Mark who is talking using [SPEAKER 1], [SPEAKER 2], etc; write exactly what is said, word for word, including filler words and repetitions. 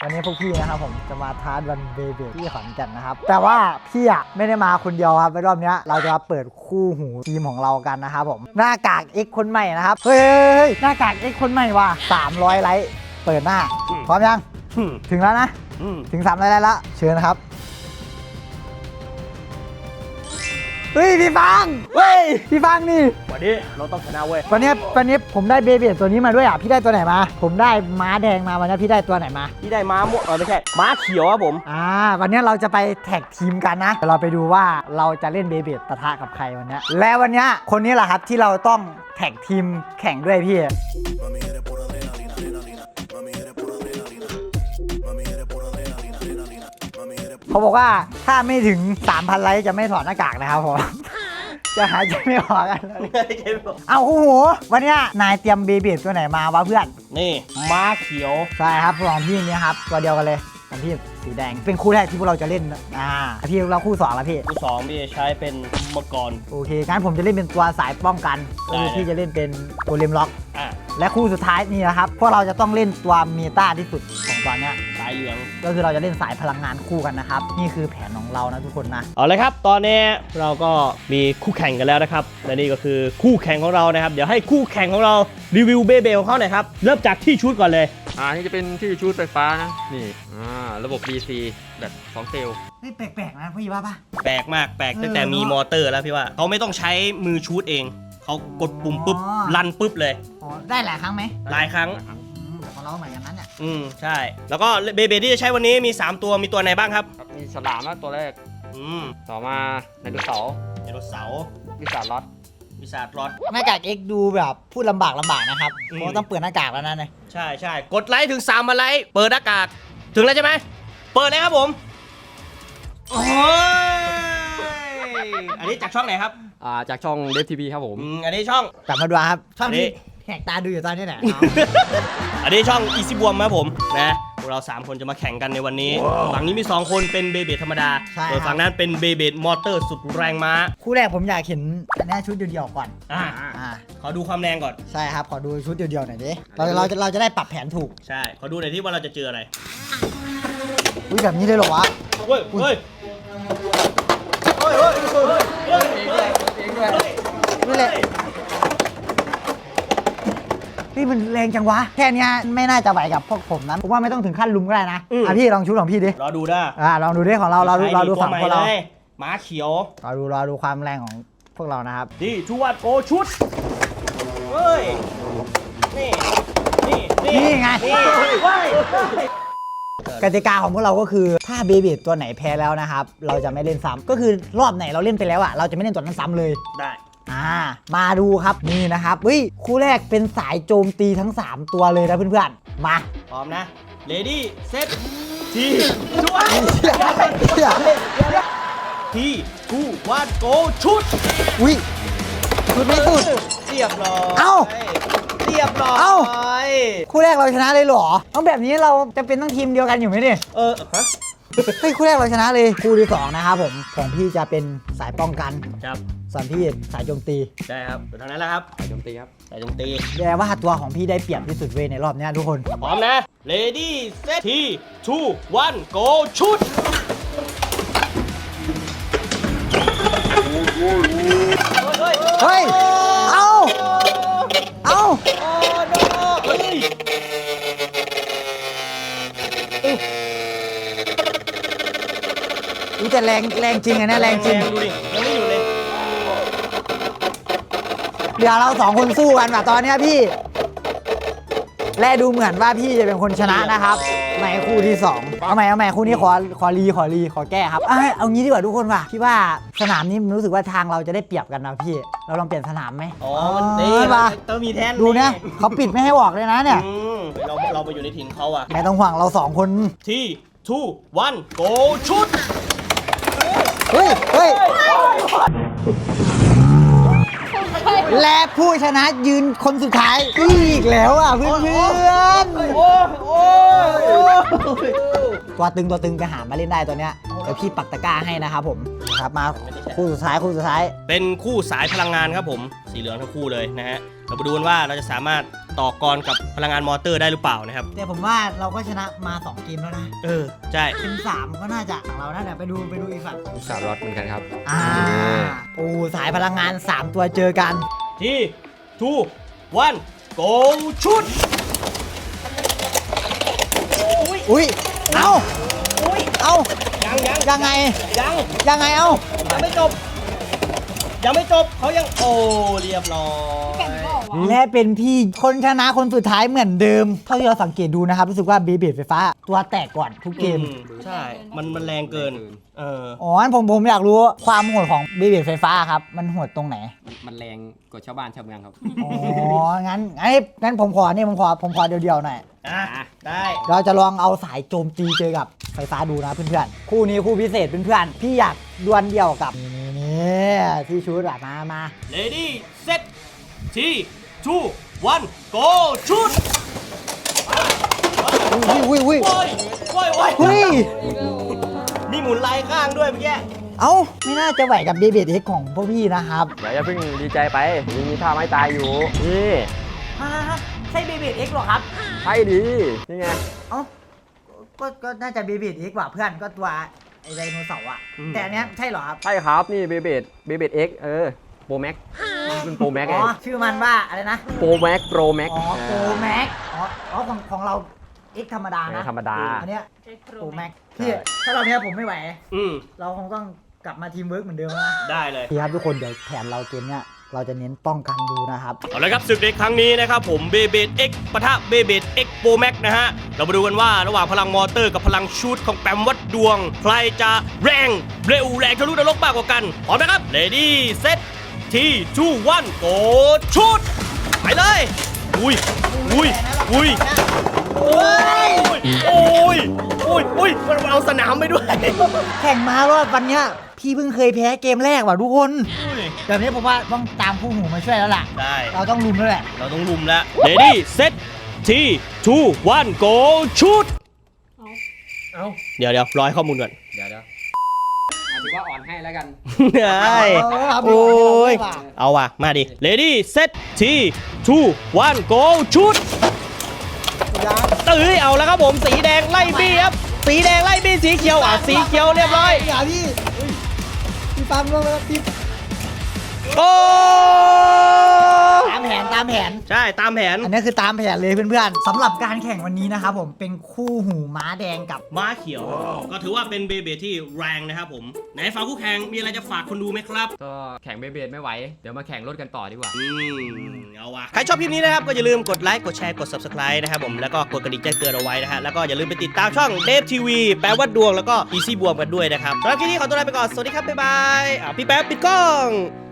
[SPEAKER 1] วันนี้พวกพี่นะครับผมจะมาท้าวันเบเบที่ขอนแก่นนะครับแต่ว่าพี่อ่ะไม่ได้มาคนเดียวครับในรอบนี้เราจะมาเปิดคู่หูทีมของเรากันนะครับผมหน้ากาก X คนใหม่นะครับเฮ้ยหน้ากาก X คนใหม่ว่ะสามร้อยไลค์เปิดหน้าพร้อมยังถึงแล้วนะถึงสามร้อยไลค์แล้วเชิญนะครับเฮ้ยพี่ฟังเฮ้ยพี่ฟังนี่
[SPEAKER 2] วันนี้เราต้องชนะเว้ย
[SPEAKER 1] วันนี้วันนี้ผมได้เบเบตัวนี้มาด้วยอ่ะพี่ได้ตัวไหนมาผมได้ม้าแดงมาวันนี้พี่ได้ตัวไหนมา
[SPEAKER 2] พี่ได้ม้าม่วงเออไม่ใช่ม้าเขียวครับผม
[SPEAKER 1] อ่าวันนี้เราจะไปแท็กทีมกันนะเราไปดูว่าเราจะเล่นเบเบปะทะกับใครวันนี้และวันนี้คนนี้แหละครับที่เราต้องแท็กทีมแข่งด้วยพี่เขาบอกว่าถ้าไม่ถึง สามพัน ไลค์จะไม่ถอดหน้ากากนะครับผมจะหายใจไม่ออกกันเลยเอาโอ้โหวันนี้นายเตรียมเบเบตัวไหนมาวะเพื่อน
[SPEAKER 2] นี่ม้าเขียว
[SPEAKER 1] ใช่ครับของพี่นี่ครับตัวเดียวกันเลยของพี่สีแดงเป็นคู่แรกที่พวกเราจะเล่นอ่าพี่เราคู่สองแล้วพี่
[SPEAKER 2] คู่สองพี่ใช้เป็นมังกร
[SPEAKER 1] โอเคงั้นผมจะเล่นเป็นตัวสายป้องกันก็คือพี่จะเล่นเป็นโกเลมล็อก
[SPEAKER 2] อ่า
[SPEAKER 1] และคู่สุดท้ายนี่นะครับพวกเราจะต้องเล่นตัวเมตาที่สุดของตอนนี้
[SPEAKER 2] สายเหลือง
[SPEAKER 1] ก็คือเราจะเล่นสายพลังงานคู่กันนะครับนี่คือแผนของเรานะทุกคนนะ
[SPEAKER 2] เอาเลยครับตอนนี้เราก็มีคู่แข่งกันแล้วนะครับและนี่ก็คือคู่แข่งของเรานะครับเดี๋ยวให้คู่แข่งของเรารีวิวเบเบของเขาหน่อยครับเริ่มจากที่ชุดก่อนเลย
[SPEAKER 3] อ่านี่จะเป็นที่ชุดไฟฟ้านะนี่อ่าระบบ ดี ซี แบบสองเซลล์
[SPEAKER 1] นี่แปลกๆนะพี่ว่าปะ
[SPEAKER 2] แปลกมากแปลกตั้งแต่มีมอเตอร์แล้วพี่ว่าเขาไม่ต้องใช้มือชูดเองเขากดปุ่มปุ๊บลันปุ๊บเลย
[SPEAKER 1] อ๋อได้หลายครั้งไหม
[SPEAKER 2] หลายครั้ง
[SPEAKER 1] แต่ของเราเหมือนกันนั้นเนี่ย
[SPEAKER 2] อืมใช่แล้วก็เบเบที่จะใช้วันนี้มีสามตัวมีตัวไหนบ้างครับ
[SPEAKER 3] มีฉลามตัวแรก
[SPEAKER 2] อืม
[SPEAKER 3] ต่อมาไดโนเสาร์
[SPEAKER 2] ไดโนเสาร์
[SPEAKER 3] วิสาล็อต
[SPEAKER 2] วิสาล็อต
[SPEAKER 1] หน้ากาก X ดูแบบพูดลำบากลำบากนะครับเพราะต้องเปิดหน้ากากแล้วนั่นเลย
[SPEAKER 2] ใช่ใช่กดไลค์ถึงสามพันไลค์เปิดหน้ากากถึงแล้วใช่ไหมเปิดเลยครับผมโอ้ยอันนี้จากช่องไหนครับ
[SPEAKER 3] อ่าจากช่องเดฟทีวีครับผม
[SPEAKER 2] อันนี้ช่อง
[SPEAKER 1] กลับมาดูครับช่องนี้แหกตาดูอยู่ตอนนี้แหละ
[SPEAKER 2] อันนี้ช่องอีซี่บวมครับผมนะพวกเราสามคนจะมาแข่งกันในวันนี้ฝั่งนี้มีสองคนเป็นเบเบธรรมดาส่วนฝั่งนั้นเป็นเบเบมอเตอร์สุดแรงม้า
[SPEAKER 1] คู่แรกผมอยากเห็นอันนี้ชุดเดียวๆก่อน
[SPEAKER 2] อ่าขอดูความแรงก่อน
[SPEAKER 1] ใช่ครับขอดูชุดเดียวๆหน่อยดิเราเราจะเราจะได้ปรับแผนถูก
[SPEAKER 2] ใช่ขอดูหน่อยที่ว่าเราจะเจออะไร
[SPEAKER 1] อุ้ยแบบนี้เลยเหรอวะ
[SPEAKER 2] เฮ้ยเฮ้ยเฮ้ยเฮ้ยเฮ้ยเฮ้ย
[SPEAKER 1] นี่แหละนี่มันแรงจังวะแค่นี้ไม่น่าจะไหวกับพวกผมนะผมว่าไม่ต้องถึงขั้นลุมก็ได้นะอ่ะพี่ลองชุดของพี่ดิ
[SPEAKER 2] รอดูได้
[SPEAKER 1] อ่าลองดูดิของเราเราดูเราดูฝั่งพวกเรา
[SPEAKER 2] ม้าเขียว
[SPEAKER 1] รอดูรอดูความแรงของพวกเรานะครับ
[SPEAKER 2] ดีชูวัดโกชุดเฮ้ยนี่นี่
[SPEAKER 1] นี่ไงกติกาของพวกเราก็คือถ้าเบเบตัวไหนแพ้แล้วนะครับเราจะไม่เล่นซ้ำก็คือรอบไหนเราเล่นไปแล้วอ่ะเราจะไม่เล่นตัวนั้นซ้ำเลย
[SPEAKER 2] ได้
[SPEAKER 1] อ่ามาดูครับนี่นะครับเฮ้ยคู่แรกเป็นสายโจมตีทั้งสามตัวเลยนะเพื่อนๆมา
[SPEAKER 2] พร้อมนะเลดี้เซตทีช่วยทีทูวันโกชุด
[SPEAKER 1] อุ้ยชุดไม่สุด
[SPEAKER 2] เรียบร้อย
[SPEAKER 1] เอ้า
[SPEAKER 2] เรียบร้อย
[SPEAKER 1] เอ้าคู่แรกเราชนะเลยเหรอต้องแบบนี้เราจะเป็นต้องทีมเดียวกันอยู่ไหมเนี่ย
[SPEAKER 2] เออฮะ
[SPEAKER 1] เฮ้ยคู่แรกเราชนะเลยคู่ที่สองนะครับผมของพี่จะเป็นสายป้องกัน
[SPEAKER 2] ครับ
[SPEAKER 1] ส่วนพี่สายโจมตี
[SPEAKER 2] ใช่ครับเท่านั้นแหละครับ
[SPEAKER 3] สายโจมตีครับ
[SPEAKER 2] สายโจมตี
[SPEAKER 1] แปลว่าตัวของพี่ได้เปรียบที่สุดเว้ยในรอบนี้ทุกคน
[SPEAKER 2] พร้อมนะเลดี้เซตทีทูวันโกชุด
[SPEAKER 1] เฮ้ยเอาเอาดูแต่แรงแรงจริงไงนะแรงจริง
[SPEAKER 2] ดูดิยังไม่อยู่เลย
[SPEAKER 1] เดี๋ยวเราสองคนสู้กันแบบตอนนี้พี่และดูเหมือนว่าพี่จะเป็นคนชนะนะครับในคู่ที่สองเอาใหม่เอาใหม่คู่นี้ขอขอรีขอรีขอแก้ครับเอางี้ดีกว่าทุกคนว่ะพี่ว่าสนามนี้รู้สึกว่าทางเราจะได้เปรียบกันนะพี่เราลองเปลี่ยนสนามไหม
[SPEAKER 2] อ๋อมันดี
[SPEAKER 1] ป่ะ
[SPEAKER 2] ต้องมีแทน
[SPEAKER 1] ดูเนี่ยเขาปิดไม่ให้ออกเลยนะเนี่ย
[SPEAKER 2] เราเราไปอยู่ในถิ่นเขาอะ
[SPEAKER 1] ไม่ต้องห่วงเราสองคน
[SPEAKER 2] ที่ทูวันโกชุด
[SPEAKER 1] เฮ้ยเฮ้ยและผู้ชนะยืนคนสุดท้ายอีกแล้วอ่ะเพื่อนๆตัวตึงตัวตึงไปหามาเล่นได้ตัวเนี้ยเดี๋ยวพี่ปักตะกร้าให้นะครับผมครับมาคู่สุดท้ายคู่สุดท้าย
[SPEAKER 2] เป็นคู่สายพลังงานครับผมสีเหลืองทั้งคู่เลยนะฮะเราไปดูกันว่าเราจะสามารถต่อกรกับพลังงานมอเตอร์ได้หรือเปล่านะครับ
[SPEAKER 1] แต่ผมว่าเราก็ชนะมาสองเกมแล้วนะ
[SPEAKER 2] เออใช่
[SPEAKER 1] เป็นสามก็น่าจะของเราน่าจะไปดูไปดูอีกฝั่ง
[SPEAKER 3] สามรอดเหมือนกันครับ
[SPEAKER 1] อ่าโอ้สายพลังงานสามตัวเจอกัน
[SPEAKER 2] ที่ทูวันโกชุด
[SPEAKER 1] อุ้ยเอ้า
[SPEAKER 2] อุ้ย
[SPEAKER 1] เอ้า
[SPEAKER 2] ยังยัง
[SPEAKER 1] ยังไง
[SPEAKER 2] ยัง
[SPEAKER 1] ยังไงเอ้า
[SPEAKER 2] ยังไม่จบ ยังไม่จบเขายังโอ้เรียบร้อย
[SPEAKER 1] และเป็นพี่คนชนะคนสุดท้ายเหมือนเดิม เท่าที่เราสังเกตดูนะครับ รู้สึกว่าเบเบดไฟฟ้า ตัวแตกก่อนทุกเกม
[SPEAKER 2] อืใช่ มันมันแรงเกิน เออ
[SPEAKER 1] อ๋องั้นผมผมอยากรู้ความโหดของเบเบดไฟฟ้าครับ มันโหดตรงไหน
[SPEAKER 3] มันแรงกว่าชาวบ้านชาวเมืองครับ
[SPEAKER 1] อ๋อ งั้นงั้นงั้นผมขอนี่ผมขอผมขอเดียวๆหน่อย
[SPEAKER 2] อ่ะ ได้
[SPEAKER 1] เราจะลองเอาสายโจมตีเจอกับไฟฟ้าดูนะเพื่อนๆ คู่นี้คู่พิเศษเพื่อนๆ พี่อยากดวลเดียวกับนี่นี่ที่ชุดอะมามา
[SPEAKER 2] เลดี้เซตทีทูวันโกชุด
[SPEAKER 1] อุ้ยอุ้ยอุ้ย
[SPEAKER 2] โอ้ยโอ้ยโอ้ย
[SPEAKER 1] เฮ้ย
[SPEAKER 2] มีหมุนลายข้างด้วยเมื่อกี้
[SPEAKER 1] เอ้า ไม่น่าจะไหวกับเบเบดเอ็กของพวกพี่นะครับ
[SPEAKER 3] เดี๋ยวอย่าเพิ่งดีใจไปยังมีท่าไม้ตายอยู่ นี่
[SPEAKER 1] ใช่เบเบดเอ็กหรอครับ
[SPEAKER 3] ใช่ดีนี่ไง
[SPEAKER 1] เอ้าก็ก็น่าจะเบเบดเอ็กกว่าเพื่อนก็ตัวไอไดโนเสาร์อะแต่อันเนี้ยใช่เหรอครับ
[SPEAKER 3] ใช่ครับ นี่เบเบดเบเบดเอ็กเออโปรแม็กเป็นโปรแม็ก
[SPEAKER 1] อ๋
[SPEAKER 3] ไง
[SPEAKER 1] อ ชื่อมันว่าอะไรนะ
[SPEAKER 3] โปรแม็กโปรแม็ก
[SPEAKER 1] อ๋อโปรแม็กอ๋ออ๋อของของเราเอ็กธรรมดานะ
[SPEAKER 3] ธรรมดา
[SPEAKER 1] อันเนี้ยโปรแม็กพี่ถ้าเราเนี้ยผมไม่ไหว
[SPEAKER 2] อืม
[SPEAKER 1] เราคงต้องกลับมาทีมเวิร์กเหมือนเดิมนะ
[SPEAKER 2] ได้เลย
[SPEAKER 1] พี่ครับทุกคนเดี๋ยวแผนเราเกมเนี้ยเราจะเน้นป้องกันดูนะครับ
[SPEAKER 2] เอาละครับศึกในครั้งนี้นะครับผมเบเบดเอ็กปะทะเบเบดเอ็กโปรแม็กนะฮะ เรามาดูกันว่าระหว่างพลังมอเตอร์กับพลังชูตของแปมวัดดวง ใครจะแรงเร็วแรงทะลุนรกมากกว่ากันพร้อมนะครับเลดี้เซตทีทูวันโกชุดไปเลย อุ้ยอุ้ยอุ้ยโอ้ยโอ้ยโอ้ยโอ้ยมันเอาสนามไปด้วย
[SPEAKER 1] แข่งมารอบวันเนี้ยพี่เพิ่งเคยแพ้เกมแรกว่ะทุกคน
[SPEAKER 2] อุ้ย
[SPEAKER 1] แบบนี้ผมว่าต้องตามคู่หูมาช่วยแล้วล่ะ
[SPEAKER 2] ได้
[SPEAKER 1] เราต้องลุมแล้วแหละ
[SPEAKER 2] เราต้องลุมแล้ว Ready Set ทีทูวันโกชุด
[SPEAKER 3] เอา
[SPEAKER 2] เดี๋ยวเดี๋ยวร้อยข้อมูลก่อน
[SPEAKER 3] เดี๋ยวเดี๋ยวถือว่าอ่อนให้แล้วกัน
[SPEAKER 2] ได้
[SPEAKER 1] เอา
[SPEAKER 2] โอ้ย
[SPEAKER 1] เอา
[SPEAKER 2] เอาว่ะ มาดิ Ready Set ทีทูวันโกชุดตื้อเอาแล้วครับผม สีแดงไล่บี้ครับ สีแดงไล่บี้สีเขียวอ่ะ สีเขียวเรียบร้อย
[SPEAKER 1] อย่าพี่พี่ปั๊มลงแล้วพี่
[SPEAKER 2] โอ้
[SPEAKER 1] ตามแผนตามแผน
[SPEAKER 2] ใช่ตามแผน
[SPEAKER 1] อันนี้คือตามแผนเลยเพื่อนๆสำหรับการแข่งวันนี้นะครับผมเป็นคู่หูม้าแดงกับ
[SPEAKER 2] ม้าเขียว ก็ถือว่าเป็นเบเบที่แรงนะครับผม ไหนฝากคู่แข่งมีอะไรจะฝากคนดูไหมครับ
[SPEAKER 3] ก็แข่งเบเบดไม่ไหว เดี๋ยวมาแข่งรถกันต่อดีกว่า
[SPEAKER 2] อืมเอาว่ะใครชอบคลิปนี้นะครับ ก็อย่าลืมกดไลค์ กดแชร์ กด Subscribe นะครับผม แล้วก็กดกระดิ่งแจ้งเตือนเอาไว้นะฮะ แล้วก็อย่าลืมไปติดตามช่องเดฟทีวีแปลว่าดวง แล้วก็ Easy บวมกันด้วยนะครับสำหรับคลิปนี้ขอตัวลาไปก่อน สวัสดีครับ บ๊ายบายอ่ะพี่แป๊บปิดกล้อง